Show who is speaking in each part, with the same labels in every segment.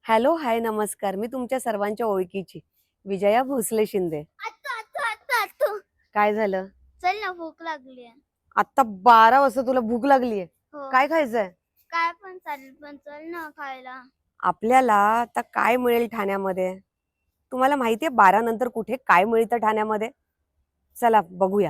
Speaker 1: Hello, हाय, नमस्कार. मी तुमच्या सर्वांच्या ओळखीची विजया भोसले शिंदे. काय झालं?
Speaker 2: चल ना, भूक लागली.
Speaker 1: आता 12 वाजता तुला भूक लागलीये?
Speaker 2: हो.
Speaker 1: काय खायचंय?
Speaker 2: काय पण चालेल, पण चल ना खायला.
Speaker 1: आपल्याला आता काय मिळेल ठाण्यामध्ये? तुम्हाला माहितीये 12 नंतर कुठे काय मिळतं ठाण्यामध्ये? चला बघूया.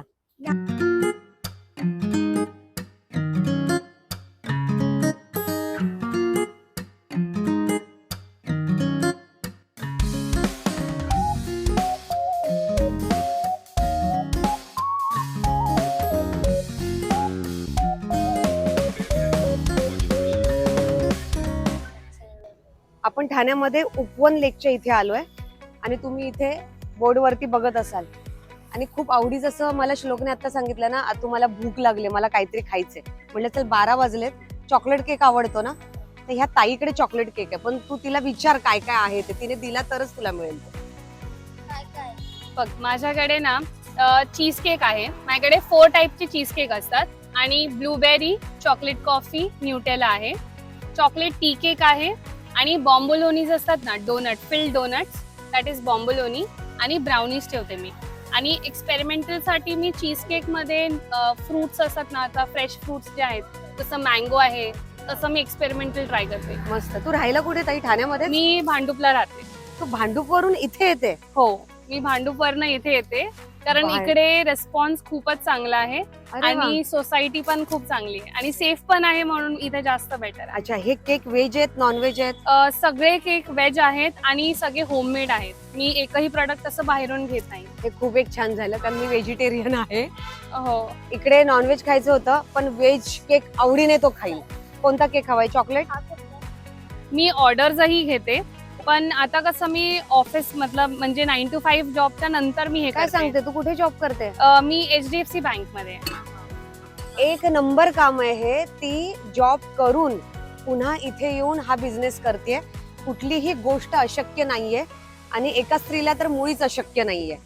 Speaker 1: आपण ठाण्यामध्ये उपवन लेकच्या इथे आलोय आणि तुम्ही इथे बोर्डवरती बघत असाल आणि खूप आवडीचं असं मला श्लोकने आता सांगितलं ना, तुम्हाला भूक लागली, मला काहीतरी खायचंय. म्हटलं चल 12 वाजलेत, चॉकलेट केक आवडतो ना, तर ह्या ताईकडे चॉकलेट केक आहे, पण तू तिला विचार काय काय आहे ते, तिने दिला तरच तुला मिळेल.
Speaker 2: काय काय?
Speaker 3: बघ, माझ्याकडे ना चीज केक आहे. माझ्याकडे 4 टाईपचे चीज केक असतात आणि ब्लूबेरी, चॉकलेट कॉफी, न्यूटेला आहे. चॉकलेट टी केक आहे आणि बॉम्बोलोनीज असतात ना, donut, filled donuts, that is bomboloni, आणि ब्राउनीज ठेवते मी. आणि एक्सपेरिमेंटल साठी मी चीज केक मध्ये फ्रुट्स असतात ना, आता फ्रेश फ्रुट्स जे आहेत, जसं मँगो आहे, तसं मी एक्सपेरिमेंटल ट्राय करते.
Speaker 1: मस्त. तू राहायला कुठे ताई? ठाण्यामध्ये?
Speaker 3: मी भांडुपला राहते.
Speaker 1: तू भांडूपवरून इथे येते?
Speaker 3: हो, मी भांडुपवरनं इथे येते कारण
Speaker 1: बाहेर.
Speaker 3: इकडे रिस्पॉन्स खूपच चांगला आहे
Speaker 1: अरे वा.
Speaker 3: आणि सोसायटी पण खूप चांगली आहे आणि सेफ पण आहे, म्हणून इथे जास्त बेटर आहे.
Speaker 1: अच्छा, हे केक व्हेज आहेत, नॉन व्हेज आहेत?
Speaker 3: सगळे केक व्हेज आहेत आणि सगळे होममेड आहेत. मी एकही प्रोडक्ट असं बाहेरून घेत नाही.
Speaker 1: हे खूप एक छान झालं, कारण मी व्हेजिटेरियन आहे.
Speaker 3: हो,
Speaker 1: इकडे नॉनव्हेज खायचं होतं, पण व्हेज केक आवडीने तो खाईल. कोणता केक हवाय? चॉकलेट?
Speaker 3: मी ऑर्डर्सही घेते, पण आता कसं मी ऑफिस मतलब म्हणजे 9 to 5 जॉबच्या नंतर मी हे
Speaker 1: काय
Speaker 3: करते.
Speaker 1: सांगते, तू कुठे जॉब करते?
Speaker 3: मी HDFC बँक मध्ये.
Speaker 1: एक नंबर काम आहे हे. ती जॉब करून पुन्हा इथे येऊन हा बिझनेस करते. कुठलीही गोष्ट अशक्य नाहीये आणि एका स्त्रीला तर मुळीच अशक्य नाहीये.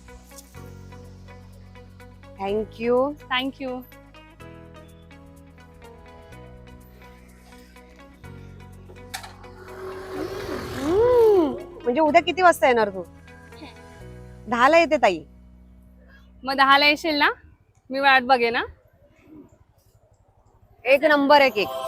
Speaker 1: थँक्यू.
Speaker 3: थँक्यू.
Speaker 1: म्हणजे उद्या किती वाजता येणार तू? 10ला येते ताई.
Speaker 3: मग 10ला येशील ना? मी वाट बघे ना.
Speaker 1: एक नंबर आहे केक.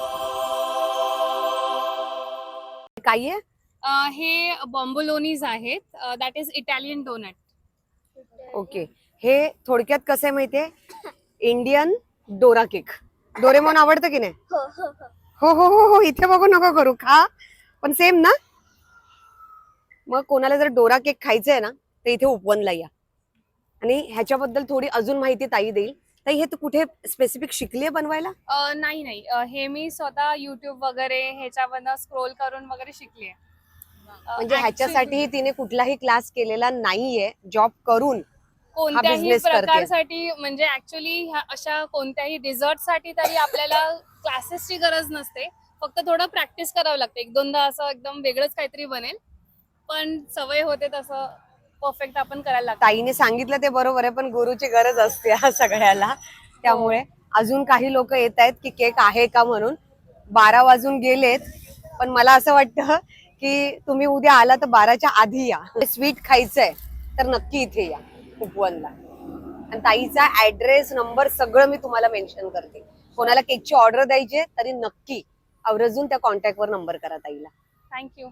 Speaker 1: काय आहे?
Speaker 3: हे बॉम्बोलोनीज आहेत, that is Italian donut.
Speaker 1: Okay. हे थोडक्यात कसं आहे माहितीये? Indian Dora cake. डोरेमॉन आवडतं की नाही?
Speaker 2: हो हो हो.
Speaker 1: हो हो हो हो. इथे बघू नको करू, खा. पण सेम ना? मग कोणाला जर डोरा केक खायचा आहे ना, तर इथे उपवनला या. आणि ह्याच्याबद्दल थोडी अजून माहिती ताई देईल. ताई, हे तू कुठे स्पेसिफिक शिकलीये बनवायला?
Speaker 3: नाही नाही, हे मी स्वतः युट्यूब वगैरे ह्याच्यावरनं स्क्रोल करून वगैरे शिकले.
Speaker 1: म्हणजे ह्याच्यासाठी तिने कुठलाही क्लास केलेला नाहीये, जॉब करून
Speaker 3: कोणत्याही
Speaker 1: business करते.
Speaker 3: प्रकारसाठी, म्हणजे ऍक्च्युली अशा कोणत्याही डिझर्ट साठी तरी आपल्याला क्लासेसची गरज नसते. फक्त थोडं प्रॅक्टिस करावं लागते. 1-2दा असं एकदम वेगळंच काहीतरी बनेल, पण सवय होते तसं परफेक्ट आपण करायला लागतो.
Speaker 1: ताईने सांगितलं ते बरोबर आहे, पण गुरुची गरज असते ह्या सगळ्याला. त्यामुळे अजून काही लोक येत आहेत की केक आहे का म्हणून. 12 वाजून गेलेत, पण मला असं वाटतं की तुम्ही उद्या आला तर 12च्या आधी या. स्वीट खायचंय तर नक्की इथे या उपवनला. आणि ताईचा ऍड्रेस, नंबर सगळं मी तुम्हाला मेन्शन करते. कोणाला केकची ऑर्डर द्यायची तरी नक्की आवर्जून त्या कॉन्टॅक्टवर नंबर करा ताईला.
Speaker 3: थँक्यू.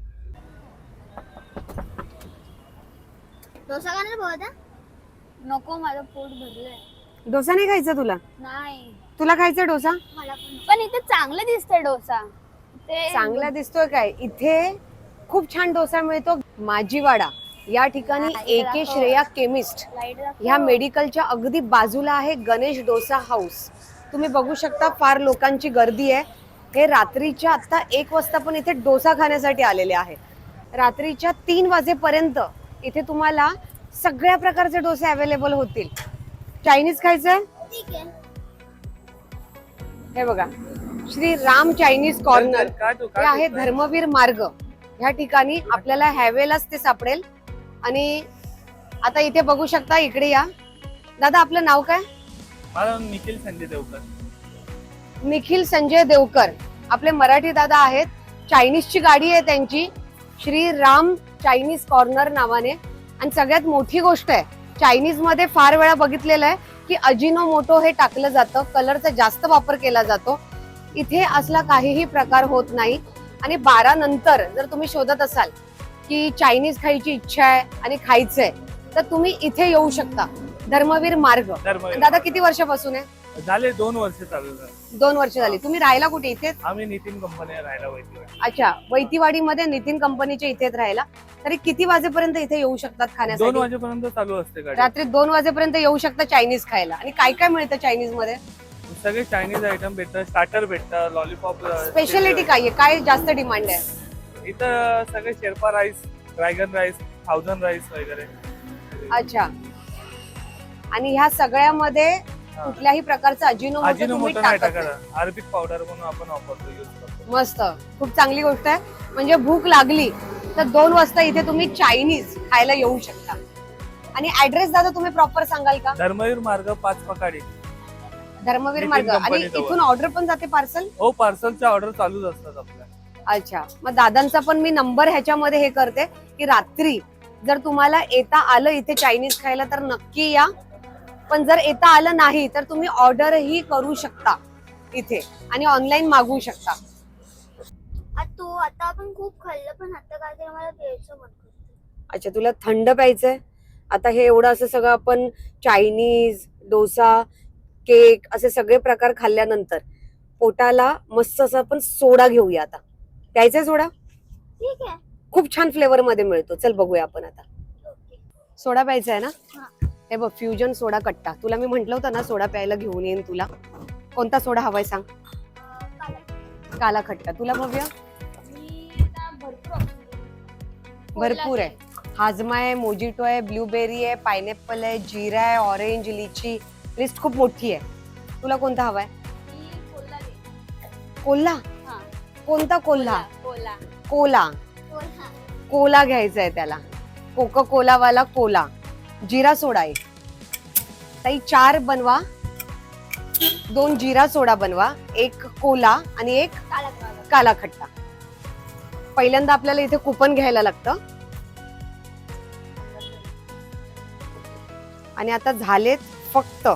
Speaker 2: डोसा खाणार भाऊ? नको, माझं पोट भरलंय.
Speaker 1: डोसा नाही खायचा तुला?
Speaker 2: नाही,
Speaker 1: तुला खायचा डोसा?
Speaker 2: मला पण इथे चांगलं दिसतंय डोसा. ते
Speaker 1: चांगला दिसतोय काय? इथे खूप छान डोसा मिळतो. माझीवाडा या ठिकाणी AK श्रेया केमिस्ट
Speaker 2: लाईट
Speaker 1: ह्या मेडिकलच्या अगदी बाजूला आहे गणेश डोसा हाऊस. तुम्ही बघू शकता, फार लोकांची गर्दी आहे. हे रात्रीच्या आता 1 वाजता पण इथे डोसा खाण्यासाठी आलेले आहे. रात्रीच्या 3 वाजेपर्यंत इथे तुम्हाला सगळ्या प्रकारचे डोसे अवेलेबल होतील. चायनीज खायचंय?
Speaker 2: ठीक आहे.
Speaker 1: हे बघा, श्री राम चायनीज कॉर्नर हे आहे धर्मवीर मार्ग. ह्या ठिकाणी आपल्याला ह्यावेलाच ते सापडेल. आणि आता इथे बघू शकता, इकडे या. दादा, आपलं नाव काय?
Speaker 4: माझं निखिल संजय देवकर.
Speaker 1: निखिल संजय देवकर आपले मराठी दादा आहेत. चायनीजची गाडी आहे त्यांची. श्रीराम चायनीज कॉर्नर नावाने. आणि सगळ्यात मोठी गोष्ट आहे, चायनीज मध्ये फार वेळा बघितलेलं आहे की अजिनोमोटो हे टाकलं जातं, कलरचा जास्त वापर केला जातो. इथे असला काहीही प्रकार होत नाही. आणि 12 नंतर जर तुम्ही शोधत असाल की चायनीज खायची इच्छा आहे आणि खायचंय, तर तुम्ही इथे येऊ शकता. धर्मवीर मार्ग.
Speaker 4: धर्मवीर
Speaker 1: दादा किती वर्षापासून आहे?
Speaker 4: झाले 2 वर्ष चालू झाले.
Speaker 1: 2 वर्ष झाली. तुम्ही राहायला कुठे? इथेच?
Speaker 4: आम्ही नितीन कंपनी राहायला वैद्यवाडी.
Speaker 1: अच्छा, वैतीवाडीमध्ये नितीन कंपनीच्या इथेच राहायला. तरी किती वाजेपर्यंत इथे येऊ शकतात
Speaker 4: 2
Speaker 1: खाण्यासाठी?
Speaker 4: वाजेपर्यंत चालू असते गाडी.
Speaker 1: रात्री 2 वाजेपर्यंत येऊ शकता चायनीज खायला. आणि काय काय मिळतं चायनीज मध्ये?
Speaker 4: सगळे चायनीज आयटम भेटतात, स्टार्टर भेटतात, लॉलीपॉप.
Speaker 1: स्पेशालिटी काय आहे? काय जास्त डिमांड आहे?
Speaker 4: इथं सगळे Sherpa rice, dragon rice, 1000 rice वगैरे.
Speaker 1: अच्छा. आणि ह्या सगळ्यामध्ये कुठल्याही प्रकारचं अजिनोमोटो तुम्ही
Speaker 4: अजिनोमोटो नाही
Speaker 1: टाकत नाही.
Speaker 4: टाकायचा. अरबिक पावडर म्हणून आपण वापरतो, यूज करतो.
Speaker 1: मस्त, खूप चांगली गोष्ट आहे. म्हणजे भूक लागली तर 2 वाजता इथे तुम्ही चायनीज खायला येऊ शकता. आणि ऍड्रेस दादा तुम्ही प्रॉपर सांगाल का?
Speaker 4: धर्मवीर मार्ग 5 पकाडी.
Speaker 1: धर्मवीर
Speaker 4: नितीन
Speaker 1: मार्ग. आणि
Speaker 4: कंपनी जवळ.
Speaker 1: इथून ऑर्डर पण जाते पार्सल?
Speaker 4: हो, पार्सलच्या ऑर्डर चालूच असतात आपल्या.
Speaker 1: अच्छा, मग दादांचा पण मी नंबर ह्याच्यामध्ये हे करते की रात्री जर तुम्हाला येता आलं इथे चायनीज खायला तर नक्की या. पण जर येता आलं नाही तर तुम्ही ऑर्डरही करू शकता इथे आणि ऑनलाईन मागवू शकता.
Speaker 2: आता आपण खूप खाल्लं, पण आता काय तरी मला प्यायचं मन करतं.
Speaker 1: अच्छा, तुला थंड प्यायचंय? आता हे एवढं असं सगळं आपण चायनीज, डोसा, केक असे सगळे प्रकार खाल्ल्यानंतर पोटाला मस्त असं आपण सोडा घेऊया. आता प्यायचंय सोडा?
Speaker 2: ठीक आहे.
Speaker 1: खूप छान फ्लेवर मध्ये मिळतो. चल बघूया आपण आता.
Speaker 2: ओके.
Speaker 1: सोडा प्यायचा आहे ना?
Speaker 2: हा.
Speaker 1: हे बघ, फ्युजन सोडा कट्टा. तुला मी म्हंटल होतं ना सोडा प्यायला घेऊन येईन तुला. कोणता सोडा हवाय सांग?
Speaker 2: काला.
Speaker 1: काला खट्टा. तुला भव्य?
Speaker 2: मी आता
Speaker 1: भरपूर आहे. हाजमा आहे, मोजिटो आहे, ब्लूबेरी आहे, पायनॅपल आहे, जीरा आहे, ऑरेंज, लिची. लिस्ट खूप मोठी आहे. तुला कोणता हवाय? कोल्हा?
Speaker 2: हा.
Speaker 1: कोणता कोल्हा?
Speaker 2: कोला.
Speaker 1: कोला. कोला घ्यायचा आहे त्याला. कोका कोला वाला कोला. जिरा सोडा आहे ताई. 4 बनवा. 2 जिरा सोडा बनवा, 1 कोला आणि 1 काला खट्टा. पहिल्यांदा आपल्याला इथे कुपन घ्यायला लागतं. आणि आता झालेत फक्त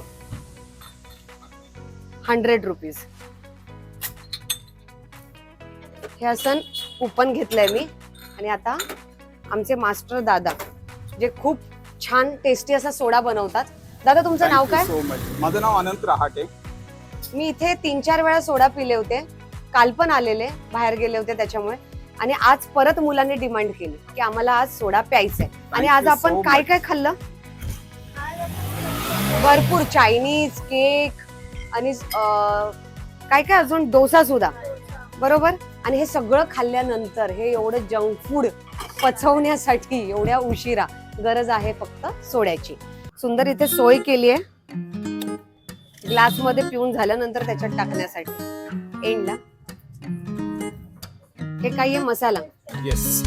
Speaker 1: 100 रुपीज. हे असं कुपन घेतलंय मी. आणि आता आमचे मास्टर दादा जे खूप छान टेस्टी असा सोडा बनवतात. दादा तुमचं नाव काय?
Speaker 5: So much. माझं नाव अनंत रहाटे.
Speaker 1: मी इथे 3-4 वेळा सोडा पिले होते. काल पण आलेले, बाहेर गेले होते त्याच्यामुळे. आणि आज परत मुलांनी डिमांड केली की आम्हाला आज सोडा प्यायचा आहे. आणि आज
Speaker 5: you
Speaker 1: आपण
Speaker 5: so
Speaker 1: काय
Speaker 5: much.
Speaker 1: काय खाल्लं? भरपूर चायनीज, केक आणि काय काय अजून, डोसा सुद्धा. बरोबर. आणि हे सगळं खाल्ल्यानंतर हे एवढं जंक फूड पचवण्यासाठी एवढ्या उशिरा गरज आहे फक्त सोड्याची. सुंदर इथे सोय केली आहे ग्लास मध्ये पिऊन झाल्यानंतर त्याच्यात टाकण्यासाठी एंडला. हे काही आहे मसाला.
Speaker 5: येस.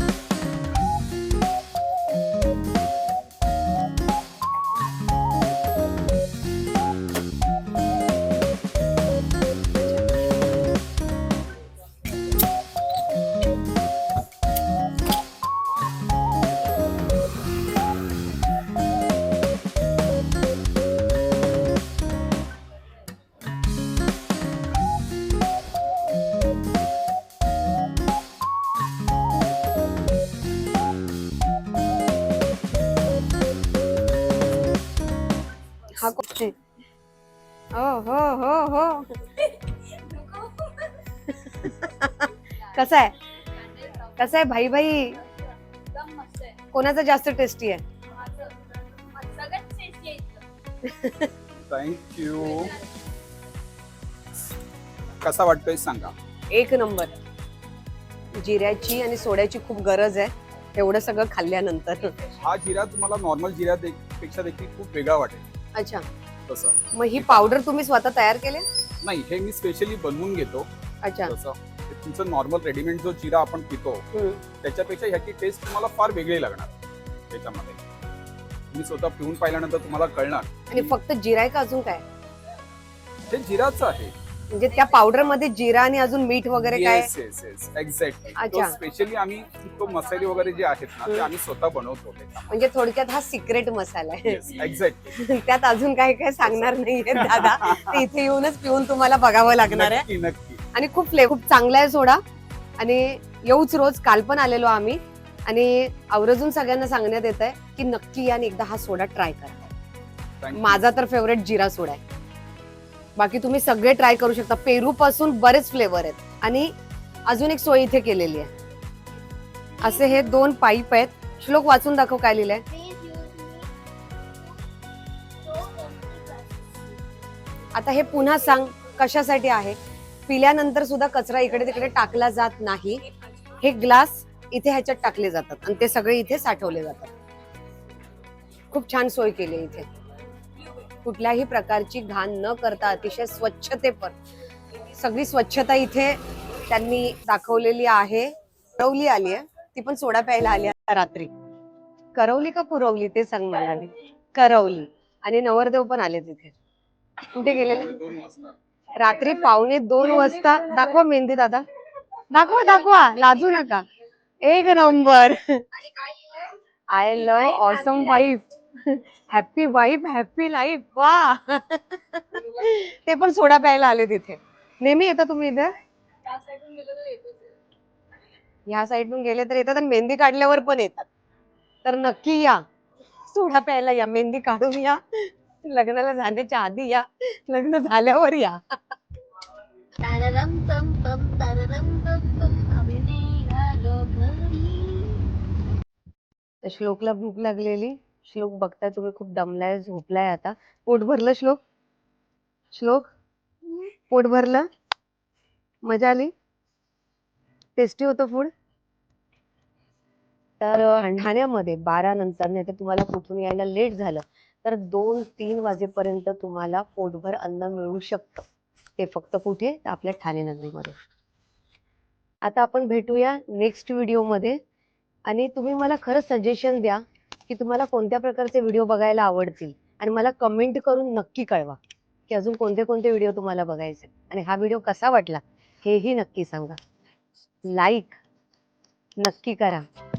Speaker 1: हा कोण? हो हो हो हो. कसा आहे? कसा आहे भाई भाई? कोणाचा जास्त टेस्टी आहे?
Speaker 5: थँक्यू. कसा वाटतोय सांगा.
Speaker 1: 1 नंबर. जिऱ्याची आणि सोड्याची खूप गरज आहे एवढं सगळं खाल्ल्यानंतर.
Speaker 5: हा जिरा तुम्हाला नॉर्मल जिरा पेक्षा देखील खूप वेगळा वाटेल.
Speaker 1: अच्छा,
Speaker 5: तसं
Speaker 1: मग ही पावडर तुम्ही स्वतः तयार केले?
Speaker 5: नाही, हे मी स्पेशली बनवून घेतो.
Speaker 1: अच्छा.
Speaker 5: तसं तुमचं नॉर्मल रेडीमेड जो जिरा आपण पितो त्याच्यापेक्षा ह्याची टेस्ट तुम्हाला फार वेगळी लागणार त्याच्यामध्ये. तुम्ही स्वतः पिऊन पाहिल्यानंतर तुम्हाला कळणार.
Speaker 1: आणि फक्त जिरा आहे का अजून काय?
Speaker 5: हे जिराचं आहे.
Speaker 1: म्हणजे त्या पावडर मध्ये जिरा आणि अजून मीठ वगैरे काय?
Speaker 5: Yes yes yes exactly. तो
Speaker 1: अच्छा.
Speaker 5: स्पेशली आम्ही तो मसाले वगैरे जे आहेत ना ते आम्ही स्वतः बनवतो.
Speaker 1: म्हणजे थोडक्यात हा सिक्रेट मसाला आहे.
Speaker 5: Yes exactly.
Speaker 1: त्यात अजून काय काय सांगणार नाहीये दादा. ते इथे येऊनच पिऊन तुम्हाला बघावं लागणार आहे.
Speaker 5: नक्की नक्की.
Speaker 1: आणि खूप खूप चांगला आहे सोडा. आणि येऊच रोज. काल पण आलेलो आम्ही आणि आवर्जून सगळ्यांना सांगण्यात येत आहे की नक्की या आणि एकदा हा सोडा ट्राय करा.
Speaker 5: Thank you.
Speaker 1: माझा तर फेवरेट जिरा सोडा आहे. बाकी तुम्ही सगळे ट्राय करू शकता. पेरू पासून बरेच फ्लेवर आहेत. आणि अजून एक सोय इथे केलेली आहे. असे हे 2 पाईप आहेत. श्लोक वाचून दाखव काय लिहिलंय. आता हे पुन्हा सांग कशासाठी आहे. पिल्यानंतर सुद्धा कचरा इकडे तिकडे टाकला जात नाही. हे ग्लास इथे ह्याच्यात टाकले जातात आणि ते सगळे इथे साठवले जातात. खूप छान सोय केली आहे इथे. कुठल्याही प्रकारची घाण न करता अतिशय स्वच्छतेपर सगळी स्वच्छता इथे त्यांनी दाखवलेली आहे. करवली आली आहे. ती पण सोडा प्यायला आली आहे रात्री. करवली का पुरवली ते सांग मला. करवली. आणि नवरदेव पण आले तिथे. कुठे गेलेले? रात्री 1:45 वाजता. दाखवा मेहंदी दादा. दाखवा दाखवा लाजू नका. एक number. I love awesome wife. Happy wife happy life. वा. ते पण सोडा प्यायला आले तिथे. नेहमी येता तुम्ही इथे? ह्या साईडून गेले तर येतात आणि मेहंदी काढल्यावर पण येतात. तर नक्की या. सोडा प्यायला या. मेहंदी काढून या. लग्नाला जाण्याच्या आधी या. लग्न झाल्यावर या. श्लोकला भूक लागलेली. श्लोक बघताय तुम्ही खूप दमलाय झोपलाय आता. पोट भरलं श्लोक? श्लोक पोट भरलं? मजा आली? टेस्टी होतं फूड? तर ठाण्यामध्ये 12 नंतर नाही तर तुम्हाला कुठून यायला लेट झालं तर 2-3 वाजेपर्यंत तुम्हाला पोटभर अन्न मिळू शकतं. ते फक्त कुठे? तर आपल्या ठाणे नगरीमध्ये. आता आपण भेटूया नेक्स्ट व्हिडिओमध्ये. आणि तुम्ही मला खरं सजेशन द्या की तुम्हाला कोणत्या प्रकारचे व्हिडिओ बघायला आवडतील आणि मला कमेंट करून नक्की कळवा की अजून कोणते कोणते व्हिडिओ तुम्हाला बघायचे. आणि हा व्हिडिओ कसा वाटला हेही नक्की सांगा. लाईक नक्की करा.